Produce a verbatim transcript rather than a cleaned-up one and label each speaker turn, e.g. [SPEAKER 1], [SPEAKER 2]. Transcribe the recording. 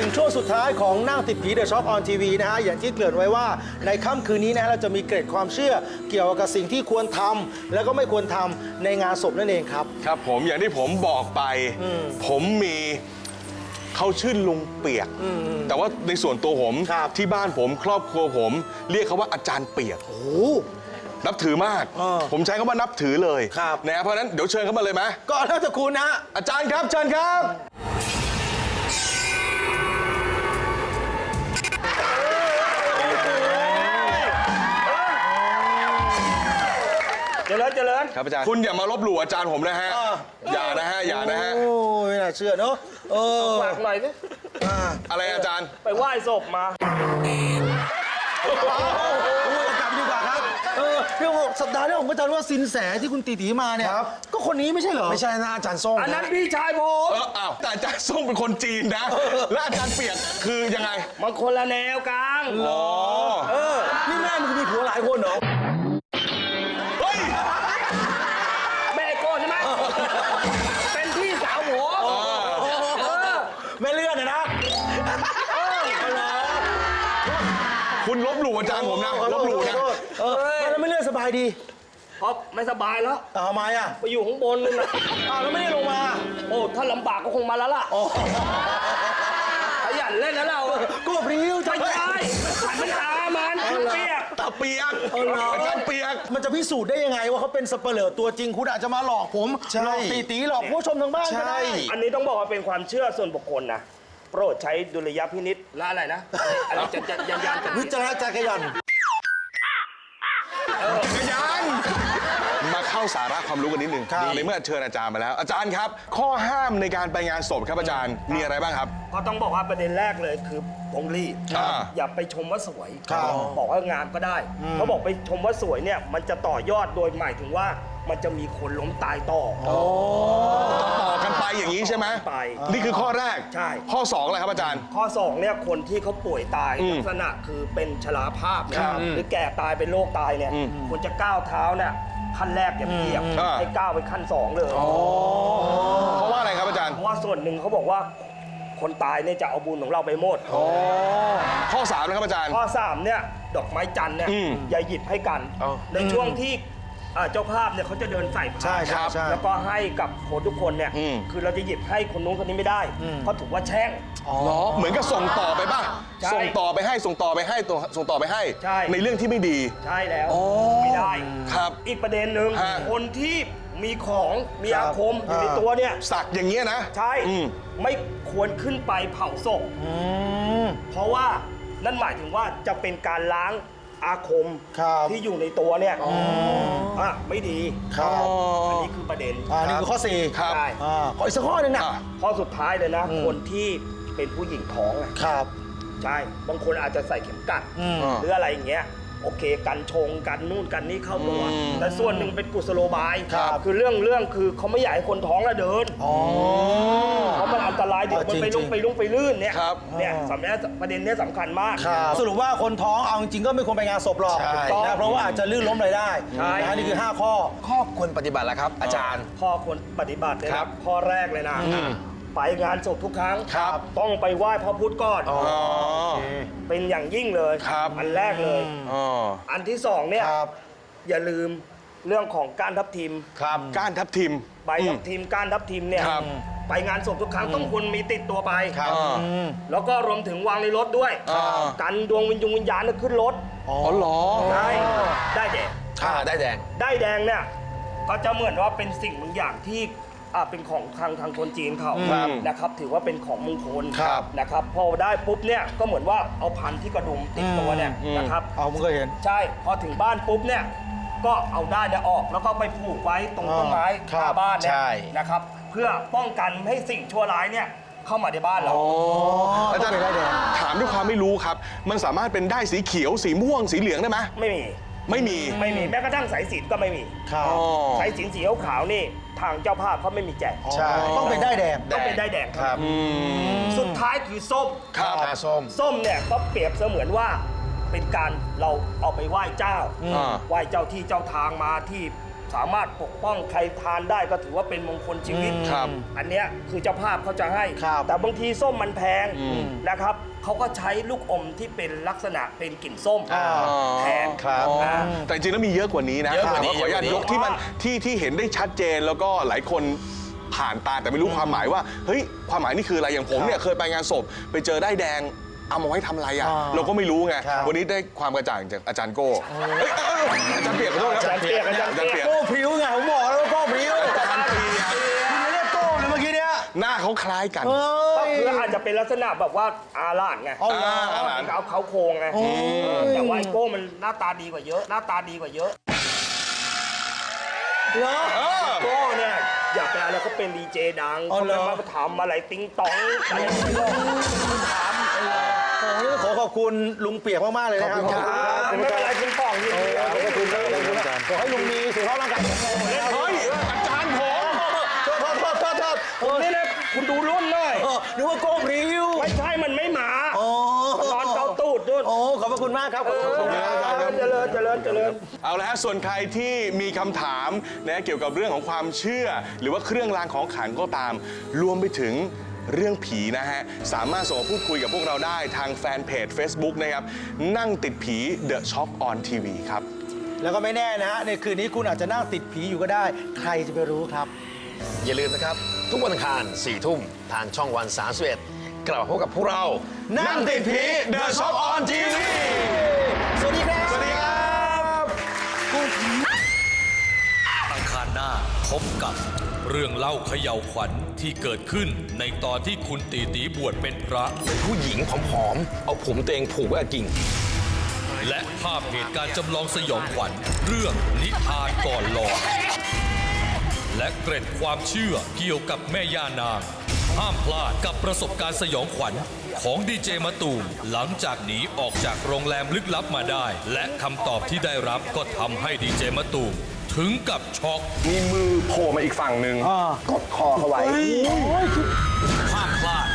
[SPEAKER 1] งช่วงสุดท้ายของนั่งติดผีเดอะช็อคออนทีวีนะฮะอย่างที่เกริ่นไว้ว่าในค่ำคืนนี้นะฮะเราจะมีเกร็ดความเชื่อเกี่ยวกับสิ่งที่ควรทำแล้วก็ไม่ควรทำในงานศพนั่นเองครับ
[SPEAKER 2] ครับผมอย่างที่ผมบอกไปผมมีเขาชื่อลุงเปียกแต่ว่าในส่วนตัวผมที่บ้านผมครอบครัวผมเรียกเขาว่าอาจารย์เปียก
[SPEAKER 1] โอ้
[SPEAKER 2] นับถือมากผมใช้คำว่านับถือเลย
[SPEAKER 1] ครับ
[SPEAKER 2] นะเพราะฉะนั้นเดี๋ยวเชิญเข้ามาเลยไหม
[SPEAKER 1] ก็แล้วแต่คุณนะ
[SPEAKER 2] อาจารย์ครับเชิญครับ
[SPEAKER 3] เจริญเจริญ
[SPEAKER 2] ครับอาจารย์คุณอย่ามาลบหลู่อาจารย์ผมนะฮะอย่านะฮะอย่านะฮะ
[SPEAKER 1] โอ้ไม่น่าเชื่อเนอะเออ
[SPEAKER 3] ฝากหน่อยสิ
[SPEAKER 2] อะไรอาจารย์
[SPEAKER 3] ไปไหว้ศพมา
[SPEAKER 1] กลับดีกว่าครับเออเรื่องสัปดาห์นี้ผมอาจารย์ว่าสินแสที่คุณตีตีมาเนี่ยก็คนนี้ไม่ใช่เหรอไม่ใช่นะอาจารย์ส้ม
[SPEAKER 3] อันนั้นพี่ชายผม
[SPEAKER 2] เอออ้าวแต่อาจารย์ส้มเป็นคนจีนนะแล้วอาจารย์เปียกคือยังไง
[SPEAKER 3] มันคนละแนวกลาง
[SPEAKER 2] อ๋อ
[SPEAKER 1] เออนี่แม่มึงมีผัวหลายคนเหรอ
[SPEAKER 2] เฮ้ย
[SPEAKER 3] แม่โก้ใช่ไหมเป็นพี่สาวผม
[SPEAKER 1] แม่เลื่อนนะนะ
[SPEAKER 2] คุณลบหลู่อาจารย์ผมนะลบหลู่นะ
[SPEAKER 1] เออแล้วไม่เลื่อนสบายดี
[SPEAKER 3] เพราะไม่สบายแล้ว
[SPEAKER 1] เอาทำไมอ่ะ
[SPEAKER 3] ไปอยู่ข้างบนนึงนะ
[SPEAKER 1] อ้าวแล้วไม่ได้ลงมา
[SPEAKER 3] โอ้ถ้าลำบากก็คงมาแล้วล่ะขยันเล่นนะเรา
[SPEAKER 1] ก็พริ้วจะ
[SPEAKER 3] ไม่ใช่ขันมันตามันเปียก
[SPEAKER 2] ตาเปียกอาจารย์เปียก
[SPEAKER 1] มันจะพิสูจน์ได้ยังไงว่าเขาเป็นสเปเหร่อตัวจริงคุณอาจจะมาหลอกผมหลอกตีตีหลอกผู้ชมทางบ้านก็ได้
[SPEAKER 3] อันนี้ต้องบอกว่าเป็นความเชื่อส่วนบุคคลนะโปรดใช้ดุลยพินิจและอะไรนะอะไรจะจะยันยันจะ
[SPEAKER 1] วิจารณจักรยาน
[SPEAKER 2] จักรยานมาเข้าสาระความรู้กันนิดนึงในเมื่อเชิญอาจารย์มาแล้วอาจารย์ครับ ข้อห้ามในการไปงานศพครับอาจารย์มีอะไรบ้างครับ
[SPEAKER 3] ก็ต้องบอกว่าประเด็นแรกเลยคือพงรีบ
[SPEAKER 2] อ่า
[SPEAKER 3] อย่าไปชมว่าสวยบอกว่างามก็ได้เขาบอกไปชมว่าสวยเนี่ยมันจะต่อยอดโดยหมายถึงว่ามันจะมีคนล้มตายต่อ
[SPEAKER 2] ต่อกันไปอย่างนี้ใช่ไหม
[SPEAKER 3] ไป
[SPEAKER 2] นี่คือข้อแรก
[SPEAKER 3] ใช่
[SPEAKER 2] ข้อสองอะไรครับอาจารย์
[SPEAKER 3] ข้อสองเนี่ยคนที่เขาป่วยตาย
[SPEAKER 2] อืม
[SPEAKER 3] ลักษณะคือเป็นชราภาพเนี่ย
[SPEAKER 2] ครับ
[SPEAKER 3] หรือแก่ตายเป็นโรคตายเนี่ย
[SPEAKER 2] อืม
[SPEAKER 3] ควรจะก้าวเท้าเนี่ยขั้นแรกอย่าไปเหยียบ
[SPEAKER 2] อ่า
[SPEAKER 3] ให้ก้าวไปขั้นสองเลย
[SPEAKER 2] เพราะว่าอะไรครับอาจารย์
[SPEAKER 3] เพราะว่าส่วนหนึ่งเขาบอกว่าคนตายเนี่ยจะเอาบุญของเราไปหมด
[SPEAKER 2] ข้อสามนะครับอาจารย์
[SPEAKER 3] ข้อสามเนี่ยดอกไม้จันทร์เนี่ย
[SPEAKER 2] อืม
[SPEAKER 3] อย่าหยิบให้กัน
[SPEAKER 2] เอา
[SPEAKER 3] ในช่วงที่อ่าเจ้าภาพเนี่ยเขาจะเดินใส่พาน
[SPEAKER 1] ใช่ใช่ใช่
[SPEAKER 3] แล้วก็ให้กับคนทุกคนเนี่ย
[SPEAKER 2] อืม
[SPEAKER 3] คือเราจะหยิบให้คนนู้นคนนี้ไม่ได้เพราะถือว่าแช่ง
[SPEAKER 2] เหรอเหมือนกับส่งต่อไปป่ะ
[SPEAKER 3] ใช่
[SPEAKER 2] ส่งต่อไปให้ส่งต่อไปให้ตัวส่งต่อไปให้
[SPEAKER 3] ใช่
[SPEAKER 2] ในเรื่องที่ไม่ดี
[SPEAKER 3] ใช่แล้ว
[SPEAKER 2] อ๋อ
[SPEAKER 3] ไม่ได้
[SPEAKER 2] ครับ
[SPEAKER 3] อีกประเด็นหนึ่ง
[SPEAKER 2] ฮะ
[SPEAKER 3] คนที่มีของมี
[SPEAKER 1] ครับ
[SPEAKER 3] อาคมอยู่ในตัวเนี่ย
[SPEAKER 2] สักอย่างเงี้ยนะ
[SPEAKER 3] ใช่
[SPEAKER 2] อืม
[SPEAKER 3] ไม่ควรขึ้นไปเผาศพ
[SPEAKER 1] อืม
[SPEAKER 3] เพราะว่านั่นหมายถึงว่าจะเป็นการล้างอาคม
[SPEAKER 1] ครับ
[SPEAKER 3] ที่อยู่ในตัวเนี่ยอ่ะไม่ดี
[SPEAKER 1] ครับ
[SPEAKER 3] อันนี้คือประเด็น
[SPEAKER 1] อ่านี่คือข้อสี่
[SPEAKER 2] ครับ
[SPEAKER 3] ใช่
[SPEAKER 1] อ่าขออีกสักข้อหนึ่งนะ
[SPEAKER 2] อ่ะ
[SPEAKER 3] ข้อสุดท้ายเลยนะ คนที่เป็นผู้หญิงท้องอะ
[SPEAKER 1] ครับ
[SPEAKER 3] ใช่บางคนอาจจะใส่เข็มกัด
[SPEAKER 1] อืม
[SPEAKER 3] หรืออะไรอย่างเงี้ยโอเคกันชงกันนู่นกันนี่เข้าตัว
[SPEAKER 2] อืม
[SPEAKER 3] แต่ส่วนหนึ่งเป็นกุศโลบาย
[SPEAKER 1] ครับ
[SPEAKER 3] คือเรื่องเรื่องคือเขาไม่อยากให้คนท้องแล้วเดิน
[SPEAKER 1] อ๋อ
[SPEAKER 3] เพราะมันอันตรายเดี๋ยวมันไป
[SPEAKER 1] จริ
[SPEAKER 3] ลุ่
[SPEAKER 1] ง
[SPEAKER 3] ง
[SPEAKER 1] ๆ
[SPEAKER 3] ไปลุ่งไปลื่นเนี่ย
[SPEAKER 2] ครับ
[SPEAKER 3] เนี่ยสำคัญประเด็นเนี้ยสำคัญมาก
[SPEAKER 1] ครับสรุปว่าคนท้องเอาจริงๆก็ไม่ควรไปงานศพหรอก
[SPEAKER 4] ใช่
[SPEAKER 1] นะเพราะว่าอาจจะลื่นล้มอะไรได้
[SPEAKER 3] ใช่
[SPEAKER 1] นะฮะนี่คือห้าข้อ
[SPEAKER 4] ข้อควรปฏิบัติแล้วครับ อาจารย์
[SPEAKER 3] ข้อควรปฏิบัติเนี่ย
[SPEAKER 4] ครั
[SPEAKER 3] นะ
[SPEAKER 4] บ
[SPEAKER 3] ข้อแรกเลยนะไปงานศพทุกครั้ง
[SPEAKER 2] ครับ
[SPEAKER 3] ต้องไปไหว้พระพุทธก่อน
[SPEAKER 2] อ๋อ
[SPEAKER 3] เป็นอย่างยิ่งเลย
[SPEAKER 2] ครับ
[SPEAKER 3] อันแรกเลย
[SPEAKER 2] อ๋อ
[SPEAKER 3] อันที่สองเนี่ย
[SPEAKER 1] ครับ
[SPEAKER 3] อย่าลืมเรื่องของการทับทิม
[SPEAKER 2] ครับก้านทับทิม
[SPEAKER 3] ใบทับทิมการทับทิมเนี่ย
[SPEAKER 2] ครับ
[SPEAKER 3] ไปงานศพทุกครั้งต้องควรมีติดตัวไป
[SPEAKER 2] ครับ
[SPEAKER 3] แล้วก็รวมถึงวางในรถด้วย
[SPEAKER 2] ครับ
[SPEAKER 3] กันดวงวิญญาณวิญญาณเนี่ยขึ้นรถ
[SPEAKER 2] อ๋อเหรอ
[SPEAKER 3] ได้ได้แดง
[SPEAKER 4] อ่าได้แดง
[SPEAKER 3] ได้แดงเนี่ยก็จะเหมือนว่าเป็นสิ่งบางอย่างที่อ่าเป็นของทางทางคนจีนเขา
[SPEAKER 2] ครับ
[SPEAKER 3] นะครับถือว่าเป็นของมงคล
[SPEAKER 2] ครับ
[SPEAKER 3] นะครับพอได้ปุ๊บเนี่ยก็เหมือนว่าเอาพันที่กระดุมติดตัวเนี่ย
[SPEAKER 2] อืม
[SPEAKER 3] นะครับ
[SPEAKER 1] เอามึงก็เห็น
[SPEAKER 3] ใช่พอถึงบ้านปุ๊บเนี่ยก็เอาได้เนี่ยออกแล้วก็ไปผูกไว้ตรงต้นไม้
[SPEAKER 1] ครั
[SPEAKER 3] ห
[SPEAKER 1] บ
[SPEAKER 3] น้าบ้านเนี่ย
[SPEAKER 4] ใช่
[SPEAKER 3] นะครับเพื่อป้องกันไม่ให้สิ่งชั่วร้ายเนี่ยเข้ามาในบ้านเรา
[SPEAKER 2] อาจารย์
[SPEAKER 1] ต้องเป็นได้แดง
[SPEAKER 2] ถามด้วยความไม่รู้ครับ มันสามารถเป็นได้สีเขียวสีม่วงสีเหลืองได้ไหม
[SPEAKER 3] ไม่มี
[SPEAKER 2] ไม่มี
[SPEAKER 3] ไม่มีแม้กระทั่งสายสิญจนก็ไม่มี
[SPEAKER 1] ครับ
[SPEAKER 2] อ๋อ
[SPEAKER 3] สายสิญจนสีขาวๆนี่ทางเจ้าภาพเขาไม่มีแจก
[SPEAKER 4] ใช่
[SPEAKER 1] ต้องเป็นได้แดง
[SPEAKER 3] ต้องเป็นได้แดง
[SPEAKER 4] ครับ
[SPEAKER 3] สุดท้ายคือส้ม
[SPEAKER 2] ครับ
[SPEAKER 4] ตาส้ม
[SPEAKER 3] ส้มเนี่ยก็เปรียบเสมือนว่าเป็นการเราเอาไปไหว้เจ้า
[SPEAKER 2] อ่า
[SPEAKER 3] ไหว้เจ้าที่เจ้าทางมาที่สามารถปกป้องใครทานได้ก็ถือว่าเป็นมงคลชีวิต
[SPEAKER 2] ครับ
[SPEAKER 3] อันเนี้ยคือเจ้าภาพเขาจะให้
[SPEAKER 1] ครับ
[SPEAKER 3] แต่บางทีส้มมันแพงนะครับเขาก็ใช้ลูกอมที่เป็นลักษณะเป็นกลิ่นส้ม
[SPEAKER 1] อ่า
[SPEAKER 3] แทน
[SPEAKER 1] ครับ
[SPEAKER 3] นะ
[SPEAKER 2] แต่จริงๆแล้วมีเยอะกว่านี้นะ
[SPEAKER 4] เยอะกว่านี้
[SPEAKER 2] แต่ขออนุญาต
[SPEAKER 4] เยอะกว่านี้
[SPEAKER 2] ยกที่มันที่ที่เห็นได้ชัดเจนแล้วก็หลายคนผ่านตาแต่ไม่รู้ความหมายว่าเฮ้ยความหมายนี่คืออะไรอย่างผมเนี่ยเคยไปงานศพไปเจอได้ายแดงเอามาไว้ทำอะไรอ่ะ
[SPEAKER 1] อ่า
[SPEAKER 2] เราก็ไม่รู้ไง
[SPEAKER 1] ครับ
[SPEAKER 2] วันนี้ได้ความกระจ่างจากอาจารย์โก้เฮ้ยเอ้ยเอ้ยอาจารย์เปียกขอโทษครับ
[SPEAKER 3] อาจารย์เปียกอาจารย์เปียก
[SPEAKER 2] เปียก
[SPEAKER 1] โก้พริ้วไงผมบอกแล้วว่าโก้พริ้ว
[SPEAKER 2] อาจารย์เปียก
[SPEAKER 1] คุณไม่เรียกโก้เลยเมื่อกี้เนี้ย
[SPEAKER 2] หน้าเขาคล้ายกัน
[SPEAKER 1] เฮ้
[SPEAKER 3] ก็
[SPEAKER 1] ย
[SPEAKER 3] คืออาจจะเป็นลักษณะแบบว่าอาลาดไง
[SPEAKER 1] อ๋อเหรอ
[SPEAKER 2] อาลาด
[SPEAKER 3] เอาเขาโครงไงแต่ว่าไอโก้มันหน้าตาดีกว่าเยอะ หน้าตาดีกว่าเยอะ
[SPEAKER 1] เหรอ
[SPEAKER 3] โก้เนี่ยอยากเป็นอะไรก็เป็นดีเจดัง
[SPEAKER 1] อ๋อ
[SPEAKER 3] เขา
[SPEAKER 1] เหรอ
[SPEAKER 3] มาทำอะไรติ้งตองอะไรไม่รู้ทำ
[SPEAKER 1] โอ้ยขอขอบคุณลุงเปียกมาก ๆ เลยนะครับ
[SPEAKER 3] ไม่เป็นไรคุณป่องยินดีครับ
[SPEAKER 1] ขอบคุณครับขอบคุณครับขอให้ลุงมีสุขภาพร่างกายแข็งแรงนะครับ
[SPEAKER 2] เฮ้ยอาจารย์ผม
[SPEAKER 1] โทษโทษโทษโทษโทษเออ
[SPEAKER 3] นี่นะคุณดูรุ่นหน่อย
[SPEAKER 1] เออนึกว่าโก้พริ้ว
[SPEAKER 3] ไม่ใช่มันไม่หมา
[SPEAKER 1] อ๋อ
[SPEAKER 3] มันนอนเกาตูดด้วย
[SPEAKER 1] โอ้ขอบพระคุณมากครับขอบคุณครับ
[SPEAKER 3] เจริญเจริญเจริญ
[SPEAKER 2] เอาละฮะส่วนใครที่มีคำถามนะเกี่ยวกับเรื่องของความเชื่อ หรือว่าเครื่องรางของขลังก็ตาม รวมไปถึงเรื่องผีนะฮะ สามารถส่งมาพูดคุยกับพวกเราได้ทางแฟนเพจ Facebook นะครับ นั่งติดผี The Shock on ที วี ครับ
[SPEAKER 1] แล้วก็ไม่แน่นะฮะในคืนนี้คุณอาจจะนั่งติดผีอยู่ก็ได้ ใครจะไปรู้ครับ
[SPEAKER 4] อย่าลืมนะครับ ทุกวันอังคารสี่ทุ่มทางช่องวันสามสิบเอ็ดกลับมาพบกับพวกเรา
[SPEAKER 1] นั่งติดผี
[SPEAKER 2] The Shock on ที วี
[SPEAKER 1] สวัสดีครับ
[SPEAKER 2] สวัสดีครับ
[SPEAKER 5] อังคารหน้าพบกับเรื่องเล่าเขย่าวขวัญที่เกิดขึ้นในตอนที่คุณตีตีบวชเป็นพระ
[SPEAKER 4] ผู้หญิงผอมๆเอาผมตัวเองผูกไว้กับกิ่ง
[SPEAKER 5] และภาพเหตุการณ์จำลองสยองขวัญเรื่องนิทานก่อนหลอนและเกร็ดความเชื่อเกี่ยวกับแม่ย่านาง ห้ามพลาดกับประสบการณ์สยองขวัญของดีเจมะตูมหลังจากหนีออกจากโรงแรมลึกลับมาได้ และคำตอบที่ได้รับก็ทำให้ดีเจมะตูมถึงกับช็อก
[SPEAKER 2] มีมือโผล่มาอีกฝั่งหนึ่ง
[SPEAKER 5] ห้ามพลาด